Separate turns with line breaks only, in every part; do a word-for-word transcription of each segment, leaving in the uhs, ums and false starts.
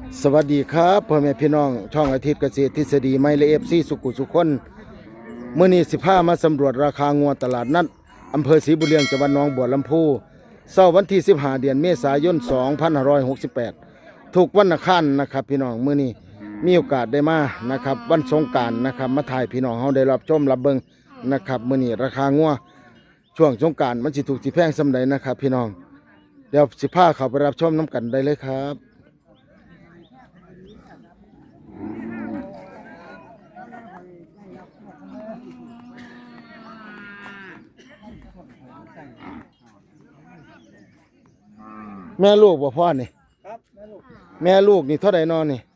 สวัสดีครับพ่อแม่พี่น้องช่องอาทิตย์เกษตรทฤษฎีไมเลเอฟซีสุขุสุขคนเมื่อนี้สิพามาสำรวจราคางัวตลาดนัดอำเภอศรีบุญเรียงจังหวัดหนองบัวลำพูเสาร์วันที่สิบห้าเดือนเมษายนสองพันห้าร้อยหกสิบแปดถูกวันอังคารนะครับพี่น้องเมื่อนี้มีโอกาสได้มานะครับวันสงกรานต์นะครับมาถ่ายพี่น้องเฮาได้รับชมรับเบิ่งนะครับเมื่อนี้ราคางัวช่วงสงกรานต์มันสิถูกสิแพงส่ำใดนะครับพี่น้องเดี๋ยวสิพาเข้าไปรับชมน้ำกันได้เลยครับแม่ลูกบ่พ่อนี่ครับแม่ลูกนี่เท่าไหร่นอนนี่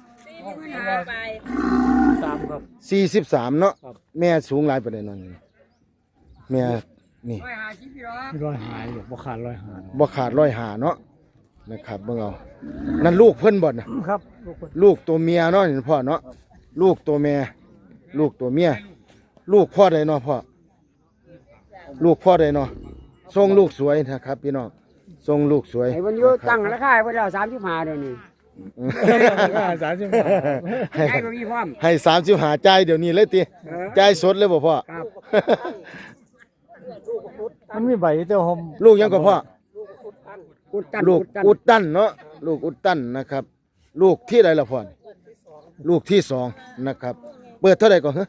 สามครับ
สี่สิบสามเนาะแม่สูงหลายประเด็นนอนนี่แม่นี่
ร้อยหายอยู่บ่ขาดร้อยหา
บ่ขาดร้อยหาเนาะนะครับเบิ่งเอานั่นลูกเพิ่นบ่นะครับลูกตัวเมียเนาะนี่พ่อเนาะลูกตัวแม่ลูกตัวเมียลูกพ่อใดเนาะพ่อลูกพ่อใดเนาะทรงลูกสวยนะครับพี่น้องทรงลูกสวย
ไอ้วันนี้ตั้งราคาไว้แล้วสามสิบห้าเดี๋ยวนี้
สามสิบห้า
ให้บ่มีพร้อม
ให้สามสิบห้าจ่ายเดี๋ยวนี้เลยติจ่ายสดเลยบ่พ่อ
ครับ
มันมีใบเจ้าหอม
ลูกยังก็พ่อลูกอุดตันเนาะลูกอุดตันนะครับลูกที่ใดล่ะพ่อลูกที่สองนะครับเปิดเท่าไหร่ก่อนฮะ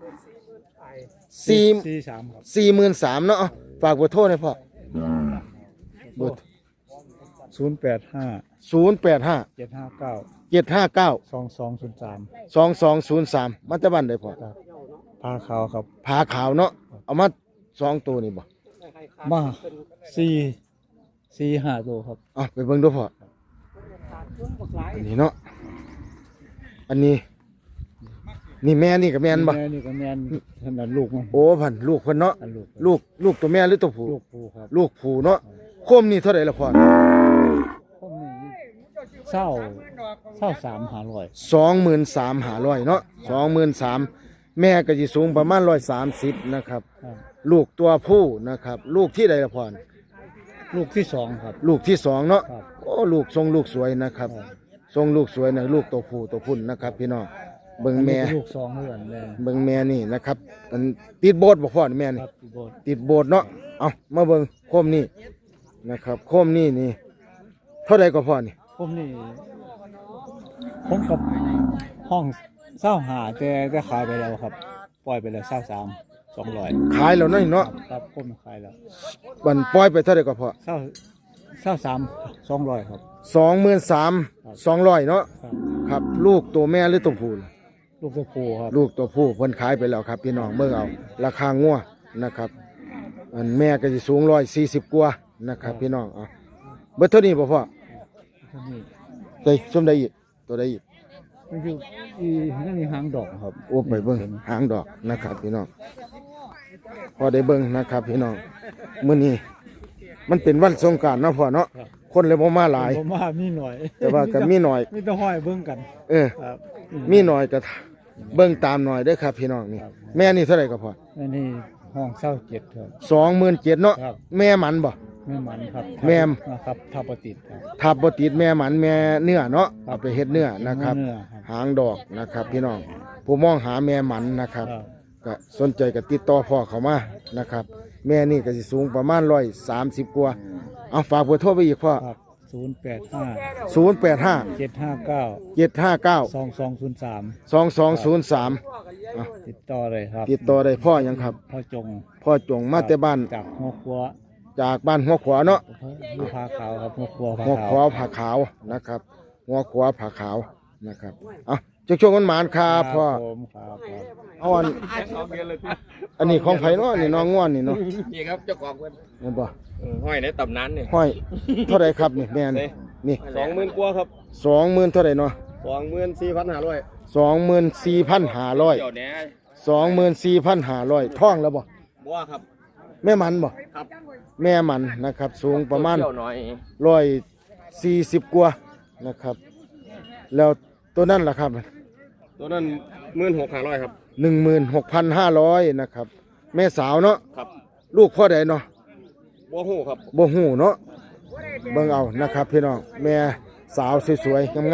สี่
สี่สามครับ
สี่หมื่นสามเนาะฝากเบอร์โทรหน่อยพ่อเบอร์
ศูนย์แปดห้า
ศูนย์แปดห้า
เจ็ดห้าเก้า
เจ็ดห้าเก้า
สองสองศูนย์สาม
สองสองศูนย์สามมันจะบ้านใดพ่อ
ผาขาวครับ
ผาขาวเนาะเอามาสองตัวนี่บ่
มาสี่สี่ห้าตัวครับ
อ่ะไปเบิ่งดูพ่ออันนี้เนาะอันนี้นี่แม่นี่กับแม่นบ่
แม่นี่กับแม่นขนาดลูกมัน
โอ้พันลูกเพิ่นเนาะลูกลูกตัวแม่หรือตัวผู้
ลูกผู้ครับ
ลูกผู้เนาะโคมนี่เท่าไหร่ละพ่อ
โคมนี่เศร้าเศร้าสามหาร้อย
สองหมื่นสามหาร้อยเนาะสองหมื่นสามแม่ก็จะสูงประมาณร้อยสามสิบนะครับลูกตัวผู้นะครับลูกที่ใดละพ่อ
ลูกที่สองครับ
ลูกที่สองเนาะโอ้ลูกทรงลูกสวยนะครับทรงลูกสวยนะลูกตัวผู้ตัวพุ่นนะครับพี่น้องเบิ่งแม่
ลูกสองเดือนแม่
เบิ่งแม่นี่นะครับติดโบสถ์บ่พ่อแม่นี่ติดโบสถ์เนาะเอามาเบิ่งโคมนี่นะครับโคมนี่นี่เท่าใดก็พ่อนี่
ผมนี่ผมกับห้องเศร้าหาแต่แต่ขายไปแล้วครับปล่อยไปแล้วเศร้าสามสองร้อย
ขายแล้วเนาะ
ครับผมขายแล้ว
บันปล่อยไปเท่าใดก็พ่อ
เศร้าเศร้าสามสองร้อยครับ
สองหมื่นสามสองร้อยเนาะครับลูกตัวแม่หรือตัวผู้
ลูกตัวผู้ครับ
ลูกตัวผู้เพิ่นขายไปแล้วครับพี่น้องเบิ่งเอาราคางัวนะครับอันแม่ก็สิสูงร้อยสี่สิบกว่านะครับพี่น้องเอาเบิดเท่านี้บ่พ่อเฮ้ยส้มได้อีกตัวได้อีก
มันอยู่อีนั่นนี่หางดอกครับ
โอ้ไปเบิ่งหางดอกนะครับพี่น้องพอได้เบิ่งนะครับพี่น้องมื้อนี้มันเป็นวันสงกรานต์เนาะพ่อเนาะคนเลยบ่มาหลาย
บ่มามีหน่อย
แต่ว่าก็มีหน่อย
มีแต่ห้อยเบิ่งกัน
เออมีหน่อยก็เบิ่งตามหน่อยเด้อครับพี่น้องนี่แม่นี่เท่าไหร่ก็พอ
แม่นี่ห้องเศร้าเจ็ดครับ
สองหมื่นเจ็ดเนาะแม่หมันบ่
แม่หมันครับ
แม่
ครับทับบ่ติดครับ
ทับบ่ติดแม่หมันแม่เนื้อเนาะเอาไปเฮ็ดเนื้อนะครับหางดอกนะครับพี่น้องผู้มองหาแม่หมันนะครับก็สนใจก็ติดต่อพ่อเขามานะครับแม่นี่ก็สิสูงประมาณร้อยสามสิบกว่าเอาฝากเบอร์โทรไปอีกพ่อ
ศูนย์แปดห้า
ศูนย์แปดห้า
เจ็ดห้าเก้า
เจ็ดห้าเก้า
สองสองศูนย์สาม
สองสองศูนย์สาม
ติดต่อเลยครับ
ติดต่อได้พ่อยังครับ
พ่อจง
พ่อจงมาแต่บ้าน
จากหัวขวา
จากบ้านหัวขวาเนาะ
หัวผาขาวครับหัวขวา
หัวขวาผาขาวนะครับหัวขวาผาขาวนะครับเอาช่วงช่วงวันหมานครับพ่อเอาอันอันนี้ของไผ่เนาะนี่น้องง่วนนี่เนาะ
นี่ครับเจ้าของเพิ่น
นี่บ่
ห้อยในตำนานนี่
ห้อยเท่าไรครับนี่แม่นี่นี่
สองหมื่นกว่าครับ
สองหมื่นเท่าไรเนาะ
สองหมื่นสี่พันห้าร้อย
สองหมื่นสี่พันห้าร้อยสองหมื่นสี่พันห้าร้อยท่องแล้วบ่
บ่ครับ
แม่มันบ่
ครับ
แม่มันนะครับสูงประมาณร้อยสี่สิบกว่านะครับแล้วตัวนั้นล่ะครับ
ตัวนั้นหมื่นหกห้าร้อยครับ
หนึ่งหมื่นหกพันห้าร้อยนะครับแม่สาวเนาะ
ครับ
ลูกพ่อใดเนาะ
บ่ฮู้ครับ
บ่ฮู้เนาะเบิ่งเอานะครับพี่น้องแม่สาวสวยๆงามๆ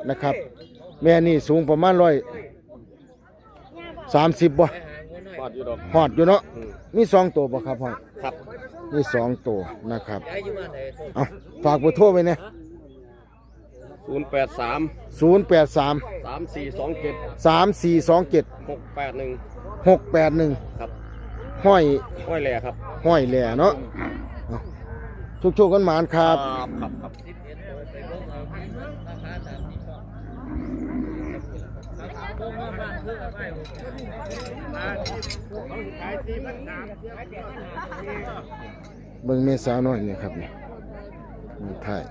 นะครับ แม่นี่สูงประมาณร้อยสามสิบบ่
ปอดอยู่ดอก
ฮอดอยู่เนาะ
อืม
มีสองตัวบ่ครับพ่อ
ครับ
มีสองตัวนะครับเอาฝากเบอร์โทรไว้นะ
ศูนย์แปดสาม
ศูนย์แปดสาม
สามสี่สองเจ็ด
สามสี่สองเจ็ด
หกแปดหนึ่ง
หกแปดหนึ่ง
ครับ
ห้อย
ห้อยแหล่ครับ
ห้อยแหล่เนาะชุกชุกๆกันหมานครับ
ครับครับ
เบิ่งเมสาวน้อยเนี่ยครับนี่นี่ถ่าย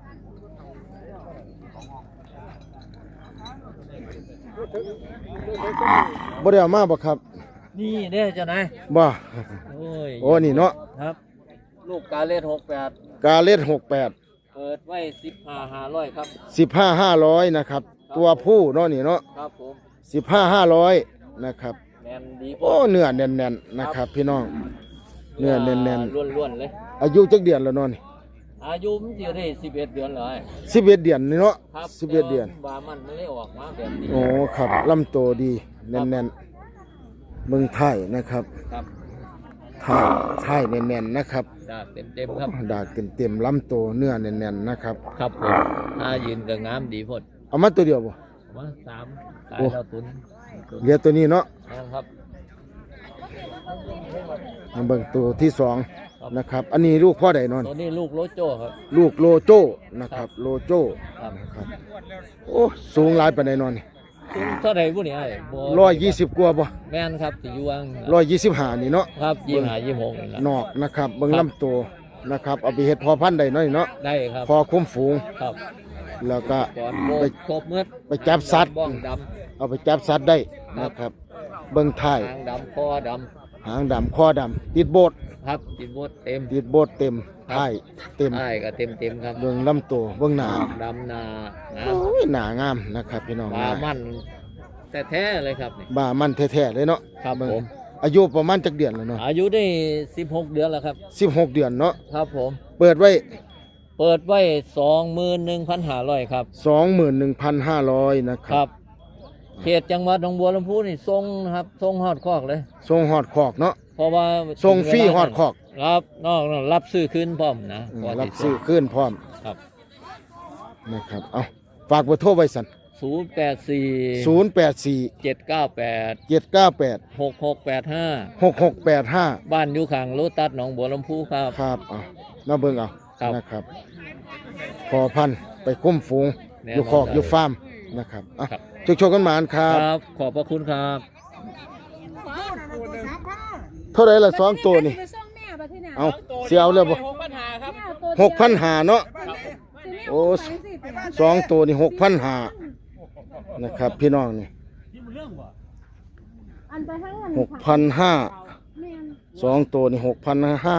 บ่ได้เอามาบ่ครับ
นี่เด้อเจ้านาย
บ่
โอ้ย
โอ้นี่เนาะ
ครับ ลูกกาเลสหกแปด
กาเล็ดหกแปด
เปิดไว้สิบห้าห้าร้อยครับ
สิบห้าห้าร้อยนะครับ ตัวผู้เนาะนี่เนาะ
ครับผม
สิบห้าห้าร้อยนะครับ
แมนดี
โอ้เนื้อแน่นๆนะครับ พี่น้องเนื้อแน่น
ล้วนๆเลย
ๆอายุจักเดือนแล้วเนาะนี่
อายุมันจะได้สิบเอ็ดเดือนเลย
สิบเอ็ดเดือนนี่เนาะ
ครับ
สิบเอ็ดเดือน
บามันมันเลยออกมาแบบนี้
โอ้ครับลำโตดีแน่นๆเบิ่งไทยนะครับ
ครับ
ไทยไทยแน่นๆนะครับ
ดาบเต็มๆครับ
ดากเต็มๆลำโตเนื้อแน่นๆนะครับ
ครับผมถ้ายืนก็งามดีพด
เอามาตัวเดียวบ่
มาสามสาย
โอ้
เราตุนตุน
เหลือตัวนี้เนาะ
นะครับ
มาเบิ่งตัวที่สองนะครับ อันนี้ลูกพ่อใดนอน
ตัวนี้ลูกโลโจ้ครับ
ลูกโลโจ้นะครับ โลโจ้
ครับ
นะครับโอ้สูงหลายปานใดนอนนี่
สูงเท่าไหร่บุนี่ไอ้บ่
ร้อยยี่สิบกว่าบ่
แม่นครับที่อยู่ว่าง
ร้อยยี่สิบห้านี่เนาะ
ครับยี่ห้ายี่หกนี่แหละ
นอกนะครับเบิ่ง
ครับ
ลำตัวนะครับเอาไปเฮ็ดพอพันธุ์ได้น้อยเนาะ
ได้ครับ
พอคุ้มฝูง
ครับ
แล้วก็
ก่อนโบกครบเมื่อ
ไปจับสัตว์
บ้องด
เอาไปจับสัตว์ได้นะครับ เบิ่งท้าย
ำหางดำคอด
หางดำคอดำติดโบด
ำครับติดบดเต็ม
ติดโบดเต็มท้ายเต็ม
ใช่ก็เต็มเต็มๆครับ
เบิ่งลำตัวเบิ่งหน้า
ดำนานะ
โอ้ยหน้างามนะครับพี่น้อง
ปลามันแต่แท้ๆเลยครับนี่
บ่ามันแท้ๆเลยเนาะ
ครับ
เบิ่ง
ผม
อายุประมาณจักเดือนแล้วเนาะ
อายุได้สิบหกเดือนแล้วครับ
สิบหกเดือนเนาะ
ครับผม
เปิดไว้
เปิดไว้สองหมื่นหนึ่งพันห้าร้อยครับ
สองหมื่นหนึ่งพันห้าร้อยนะค
ค
รั
รับ บ เขตจังหวัดหนองบัวลำพูนี่ทรงนะครับทรงฮอดคอกเลย
ทรงหอดคอกเนาะ
เพราะว่า
ทรงฟรีฮอดคอก
ครับนอกนั้นรับซื้อคืนพร้อมนะ
อืม
ก่น
รับ
ที่
ซื้อขึ้นพร้อม
ครับ
นะครับเอาฝากเบอร์โทรไว้สั่น
ศูนย์แปดสี่
ศูนย์แปดสี่
เจ็ดเก้าแปด
เจ็ดเก้าแปด
หกหกแปดห้า
หกหกแปดห้า
บ้านอยู่ข้างโลตัสหนองบัวลำพูครับ
ครับเอามาเบิ่งเอา
ครับ
นะครับพอพันธุ์ไปคุ้มฝูง
แน่
อยู่
นอน
คอก
ได้
อยู่ฟาร์มนะครับอ่ะ
ครับ
ชกชกกันหมานครั
ค
บ
รับ ขอบพระคุณครับ
เท่าไหรละสองตัวนี่เอาเสียเอาเลยบ่หกพันหาเนาะโอ้สองตัวนี่หกพันหานะครับ พี่น้องนี่หกพันห้าสองตัวนี่หกพันห้า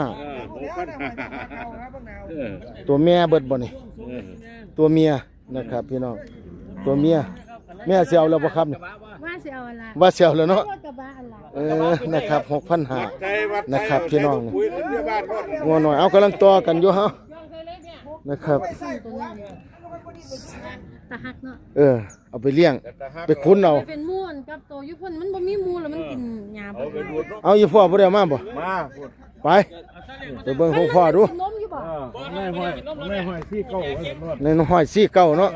ตัวแม่เบิดบ่นี่ตัวเมียนะครับ พี่น้องตัวเมียแม่เสียเอาแล้วบ่ครับนี่
ว่าสิเอาอะไร
ว่าเสียแล้วเนาะ
รถกระบะอะไร
เออนะครับหกพันหานะครับพี่น้องนี่งัวหน่อยเอากำลังต่อกันอยู่ฮะนะครับ
ตัวนี้ตะหักเนาะ
เออเอาไปเลี้ยงไปคุ้นเอา
เป็นมูนกับตัวยุพ่นมันบ่มีมูแล้วมันกินหญ้าบ่
เอาอยู่พ่อบ่ได้เอามาบ่
มา
ไปไปเบิ่งของพ่อดู
นมอยู่บ่
แม่ห้อยแม่ห้อยที่เก้า
ในน้องห้อยสี่เก้าเนาะ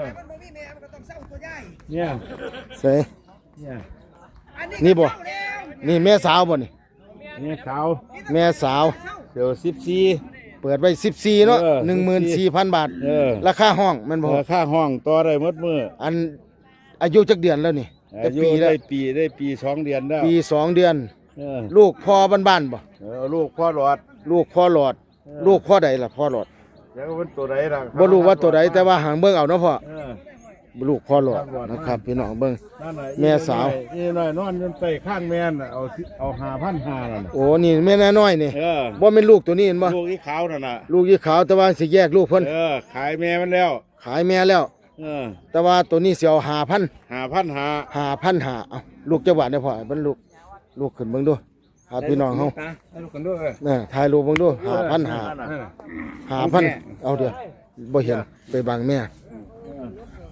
เนี่ย
ใส่
เนี่ย
นี่บ่นี่แม่สาวบ่นี่
เนี่ยขาว
แม่สาว
เดี๋ยวสิบสี่
เปิดไว้สิบสี่เนาะ
เออ
หนึ่งหมื่นสี่พันบาท
เออ
ราคาห้องแมันบ่
ค่าห้องต่อได้หมดมือ
อันอายุจักเดือนแล้วนี่จั
อาก ยุ
ปีแล้
ได้
ว
ปีได้ปีสองเดือนแล้ว
ปีสองเดือน
เออ
ลูกพ่อบ้านๆบ่
เออลูกพ่อหลอด
ลูกพ่อหลอด
เออ
ลูกพ่อใดล่ะพ่อหลอด
แล้วก็เป็นตัวใดล่ะ
บ่รู้ว่าตัวใดแต่ว่าหางเบิ่งเอาเนาะพ่อ
เออ
ลูกพ่อหลอดนะครับ พี่น้องเบิ่ง
นั่นน่ะ
แม่สาว
นี่น้อยนอนจนใส่ข้างแม่นน่ะเอาสิเอาหาพันหานั่นน่ะ
โอ้นี่แม่น้อยๆนี่
เออ
บ่แม่นลูกตัวนี้เห็นบ่
ลูกที่ขาวนั่นน่ะ
ลูกยี่ขาวแต่ว่าสิแยกลูกเพิ่น
เออขายแม่มันแล้ว
ขายแม่แล้ว
เออ
แต่ว่าตัวนี้สิเอาห้าพัน
หาพันหา
ห้าพันห้าเอาลูกจังหวัดได้พ่อเบิ่งลูกลูกขึ้นเบิ่งดูหาพี่น้องเฮา
ให้ลูกกันด้วย
น่ะถ่ายรูปเบิ่งดูห้าพันห้า
นั่นน่ะ
ห้าพันเอาเดี๋ยวบ่เห็นไปบังแม่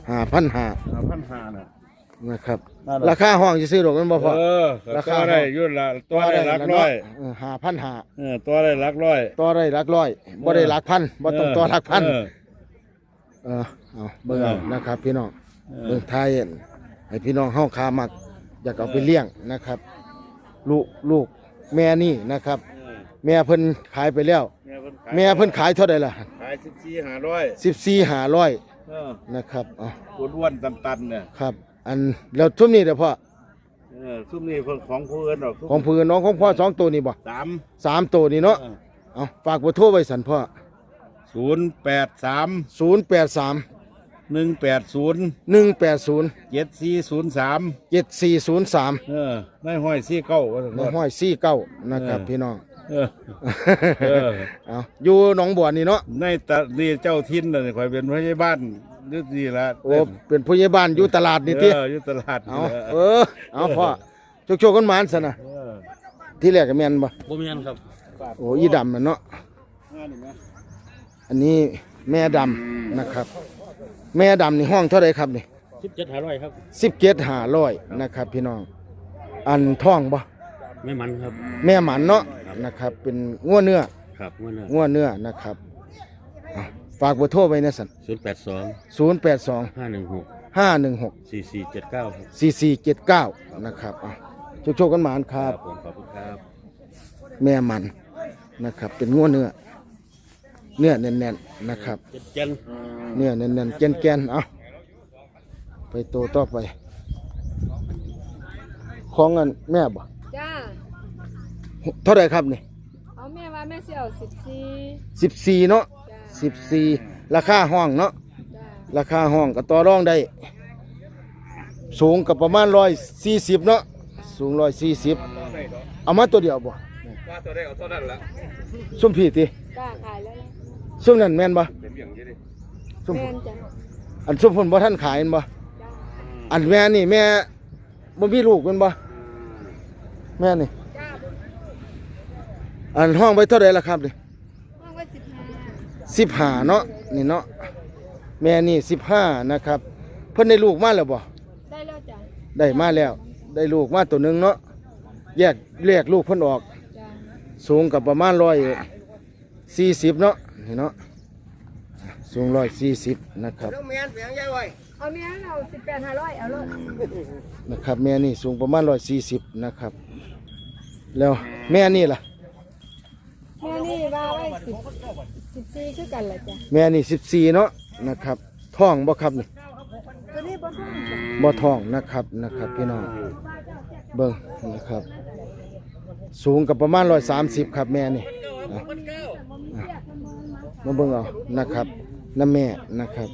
ห้าพันห้า
ห้าพันห้าน่ะ
นะครับ
นั่นแหละ
ราคาห้องจะซื้อดอกมันบ่พอ
เออ
รา
รา
คา
คาได้อยุ่นละตัวได้หลักร้อย
ห้าพันห้า
เออตัวได้หลักร้อย
ต่อได้หลักร้อยบ่ได้หลักพันบ่ต้องต่อหลักพัน
เออ
เออเอาเบิ่งเอา
เออ
นะครับพี่น้อง
เออ
เบิ่งไทยให้พี่น้องเฮาคามักอยากเอาไปเลี้ยงนะครับ ลูกลูกแม่นี่นะครับ แม่เพิ่นขายไปแล้ว แม่เพิ่นขายเท่าใดล่ะ
ขายสิบสี่ห้าร้อย
สิบสี่ห้าร้อย
เออ
นะครับเอา
อ้วนๆตันๆเนี่ย
ครับ อันแล้วทุ่มนี้เด้อพ่อ
เออซุ่มนี่เพิ่นของผู้อื่นดอกซุ่ม
ของเพื่อนน้องของพ่อสองตัวนี่บ่
สาม
สามตัวนี่เนาะเอาฝากเบอร์โทรไว้สันพ่อ
ศูนย์แปดสาม
ศูนย์แปดสาม
หนึ่งแปดศูนย์
หนึ่งแปดศูนย์
เจ็ดสี่ศูนย์สาม
เจ็ดสี่ศูนย์สาม
เออในห้อยสี่เก้าว่าซั่น
ใน
เนาะ
ห้อยสี่เก้านะครับ
เออ
พี่น้อง
เออ เออ
เอาอยู่หนองบัวนี่เนาะ
ในตะนี่เจ้าทินน่ะข่อยเป็นผู้ใหญ่บ้านอยู่นี่ละ
โอ้เป็นผู้ใหญ่บ้านอยู่ตลาดนี่ติ
เอออยู่ตลาด
เอา
นี่แหละ
เออเอาพ่อโชคๆกันหมานซะนะ
เออ
ที่แรกก็แม่นบ่
บ่แม่นครับ
โอ้อีดำน่ะเนาะ
งานนี่แม่
อันนี้แม่ดำนะครับ แม่ดำนี่ห้องเท่าไรครับนี่
สิบเจ็ดห้าร้อยครับ
สิบเจ็ดห้าร้อยนะครับ พี่น้อง อันท้องบ่
ไม่มันครับ
แม่หมันเนาะนะครับ เป็นงัวเนื้อ
ครับเมื่อนั้น
งัวเนื้อนะครับอ่ะฝากเบอร์โทรไว้นะสัน
ศูนย์แปดสอง
ศูนย์แปดสอง
ห้าหนึ่งหก
ห้าหนึ่งหก
สี่สี่เจ็ดเก้าครับ
สี่สี่เจ็ดเก้านะครับอ่ะโชคๆกันหมานครับ
ผมขอบคุณครับ
แม่มันนะครับ เป็นงัวเนื้อ เนื้อแน่นๆนะครับ
เจ็ดเจน
เนื้อแน่นๆแกนๆเอาไปโตต่อไปของเงินแม่บ่
จ้า
เท่าไหรครับนี่
เอาแม่ว่าแม่สิเอาสิบสี่
สิบสี่เนาะ
จ้า
สิบสี่ราคาห้องเนาะ
จ้า
ราคาห้องก็ต่อรองได้ สูงกับประมาณร้อยสี่สิบเนาะสูงร้อยสี่สิบเอามาตัวเดียวบ่
ว่าตัวได้เอาเท่านั้นละ
ส้มผีติ
จ้าขายแล้วนะ
ส้มนั่นแม่นบ่
เป็นอย่างนี้ดิ
ส้ม
แม่นจ้ะ
อันส้มผลบ่ท่านขายแม่นบ่
จ้า
อันแม่นี่แม่บ่มีลูกแม่นบ่แม่นี่
จ้า
อันห้องไว้เท่าไหร่ล่ะครับนี่
ห้องไว้สิบห้า
สิบห้าเนาะนี่เนาะแม่นี่สิบห้านะครับเพิ่นได้ลูกมาแล้วบ่
ได้แล้วจ้ะ
ได้มาแล้ว ได้ลูกมาตัวหนึงเนาะแยกแยกลูกเพิ่นออก
จ้า
สูงกับประมาณร้อยสี่สิบเนาะนี่เนาะสูงร้อยสี่สิบนะครับ
เอาแม่เอาสิบแปดห้าร้อยเอาเลย
นะครับแม่นี่สูงประมาณร้อยสี่สิบนะครับ แล้วแม่นี่ล่ะ
แม่นี่ว่าไว้สิบสิบสี่คือกันแหละจ้ะ
แม่นี่สิบสี่เนาะนะครับท้องบ่ครับนี่
ตัวนี้บ่ต้องจ้ะ
บ่ท้องนะครับนะครับพี่น้องเบิ่งนะครับ สูงกับประมาณร้อยสามสิบครับแม่นี่อ่ะอ่ะมาเบิ่งเอานะครับน้ำแม่นะครับ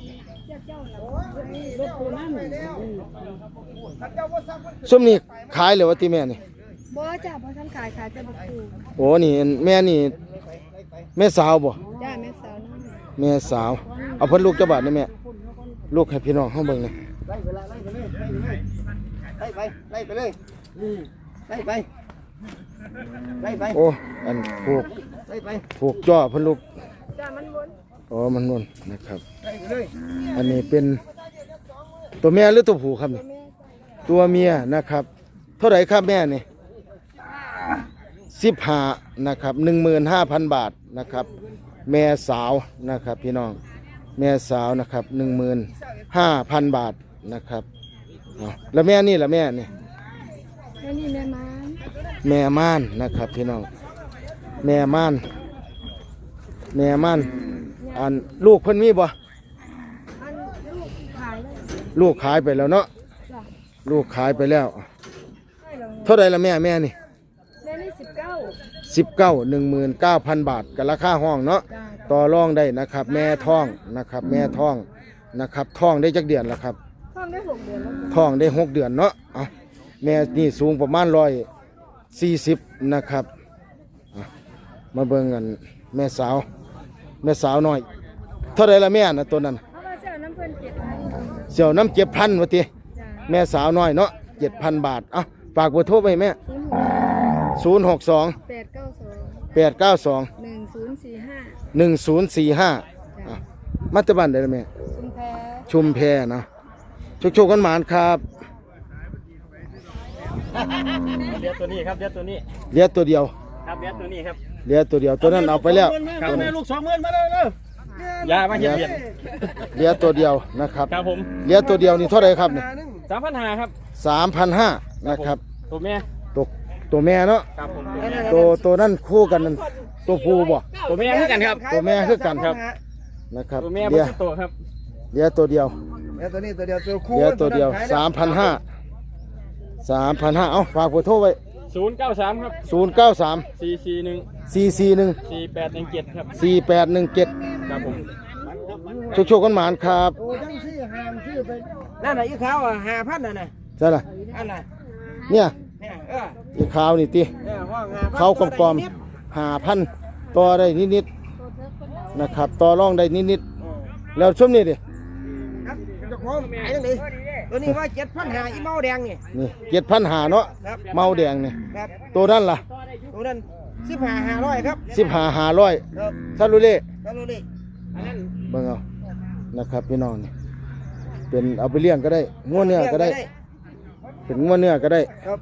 ส้มนี่ขายเลยว่าที่แม่นี่
บ่จ้ะบ่ทันขายขายแต่บ่ปู
โอ้นี่แม่นี่แม่สาวบ่
จ้าแม่สาวน้อย
แม่สาวเอาเพิ่นลูกเจ้าบาทนี่แม่ลูกให้พี่น้องเฮาเบิ่งนี่
ไล่ไปไล่ไปเลยไล่ไปไล่ไปเลยไล่ไปไล่ไป
โอ้อันผูก
ไล่ไป
ผูกจ่อเพิ่นลูก
จ้ามันวน
อ๋อมันนุ่นนะครับ
ไล่ไปเลย
อันนี้เป็นตัวแม่หรือตัวผู้ครับนี่
แม่
ตัวเมียนะครับเท่าไหร่ครับแม่นี่สิบห้านะครับหนึ่งหมื่นห้าพันบาทนะครับ แม่สาวนะครับพี่น้องแม่สาวนะครับหนึ่งหมื่นห้าพันบาทนะครับเอาแล้วแม่นี่ล่ะแม่นี่
แม่นี่แม่ม้าน
แม่ม่านนะครับพี่น้องแม่ม่านแม่ม่านอันลูกเพิ่นมีบ่
อันลูกขายแล้ว
ลูกขายไปแล้วเนาะ
จ้ะ
ลูกขายไปแล้ว
ให้เรา
เท่าไหร่ละแม่แม่นี่
แม่นี่สิบเก้า
สิบเก้าหนึ่งหมื่นเก้าพันบาทกับราคาห้องเนาะ
จ้า
ต่อรองได้นะครับ แม่ท้องนะครับ แม่ท้องนะครับท้องได้จักเดือนแล้วครับ
ท้องได้หกเดือนแล้วจ้ะ
ท้องได้หกเดือนเนาะเอาแม่นี่สูงประมาณร้อยสี่สิบนะครับอ่ะมาเบิ่งกันแม่สาว แม่สาวน้อย เท่าไรละแม่นะตัวนั้น
เอามาเจ้าน้ำเพิ่นเจ็ดพัน
เสี่ยวน้ำเจ็บพันวะที
จ้า
แม่สาวน้อยเนาะเจ็ดพันบาทเอาฝากเบอร์โทรไปแม่
ศูนย์หก
ศูนย์หกสอง
แปดเก้าสอง
แปดเก้าสอง
หนึ่งศูนย์สี่ห้า
หนึ่งศูนย์สี่ห้ามาตะบันได้ละแม่
ชุมแพ
ชุมแพเนาะโชคๆกันหมานครับ
เลี้ยตัวนี้ครับเลี้ยตัวนี้
เหลือตัวเดียว
ครับเลี้ยตัวนี้ครับ
เหลือตัวเดียวตัวนั้นเอาไปแล้ว
ตัวนี้ลูกสองหมื่นมาเลยเลยยามาเห็ดเห็ด
เหลือตัวเดียวนะครับ
ครับผม
เหลือตัวเดียวนี่เท่าไหร่ครับเนี่ย
สามพันห้าครับ
สามพันห้านะครับ
ตัวแม่
ตัวตัวแม่เนาะ
ครับผม
ตัวตัวนั่นคู่กันนั่นตัวผู้บ่
ตัวแม่คือกันครับ
ตัวแม่คือกัน
ครับ
นะครับ
ตัวแม่
เหลือ
เป็นตัวครับ
เหลือตัวเดียว
เลี้ยตัวนี้ตัวเดียวตัวคู่
เหลือตัวเดียวสามพันห้าสามพันห้าเอาฝากเบอร์โทรไว้
ศูนย์เก้าสามครับ
ศูนย์เก้าสาม
สี่สี่หนึ่ง
สี่สี่หนึ่ง
สี่แปดหนึ่งเจ็ดครับ
สี่แปดหนึ่งเจ็ด
ครับผม
โชคๆกันหมานครับ
นั่นน่ะอีขาวอ่ะห้าพันน่ะนะ
ใช่ล่ะ
อันน่ะ
เนี่ย
เนี่ยเออ
อีขาวนี่ติ
เนี่ยห้องห้าพัน
เขากลอมๆหาพันต่อได้นิดๆนะครับต่อรองได้นิดๆแล้วช่วงนี้ดิ
ครับเจ้าของขายจังได๋ตัวนี้ว่าเจ็ดพันห้าอีเมาแดงนี่
นี่เจ็ดพันหาเนาะ
ครับ
เมาแดงนี่
ครับ
ตัวนั้นล่ะ
ตัวนั้นสิบห้าห้าร้อยครับ
สิบหาหาร้อย
ครับ
ซาลูเล่
ก็รู้ดิอันนั้น
เบิ่งเอานะครับพี่น้องนี่เป็นเอาไปเลี้ยงก็ได้งัวเนื้อก็ได้ เป็นงัวเนื้อก็ได้
ครับ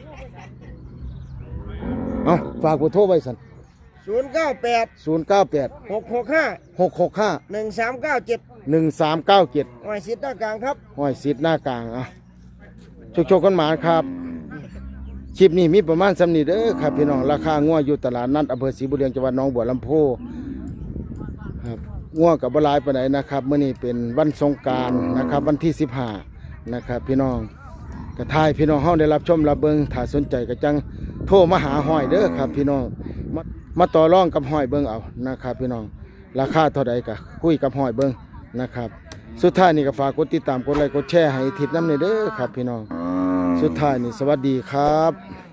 เอาฝากเบอร์โทรไว้สั่น
ศูนย์เก้าแปด
ศูนย์เก้าแปด
หกหกห้า
หกหกห้า
หนึ่งสามเก้าเจ็ด
หนึ่งสามเก้าเจ็ด
หน่วยสิทธิ์หน้ากลางครับ
ห้อยสิทธิ์หน้ากลางอ่ะโชคๆกันหมานครับคลิปนี้มีประมาณสำนีเด้อครับพี่น้องราคางัวอยู่ตลาดนัดอำเภอศรีบุญเรืองจังหวัดหนองบัวลำพูครับงัวกับบหลายปานใดนะครับมื้อนี้เป็นวันสงกรานต์นะครับวันที่สิบห้านะครับพี่น้องกระทายพี่น้องเฮาได้รับชมรับเบิ่งถ้าสนใจก็จังโทรมาหาห้อยเด้อครับพี่น้องมามาต่อรองกับห้อยเบิ่งเอานะครับพี่น้องราคาเท่าใดก็คุยกับห้อยเบิ่งนะครับสุดท้ายนี่ก็ฝากกดติดตามกดไลค์กดแชร์ให้ทิศน้ำในเด้อครับพี่น้องสุดท้ายนี่สวัสดีครับ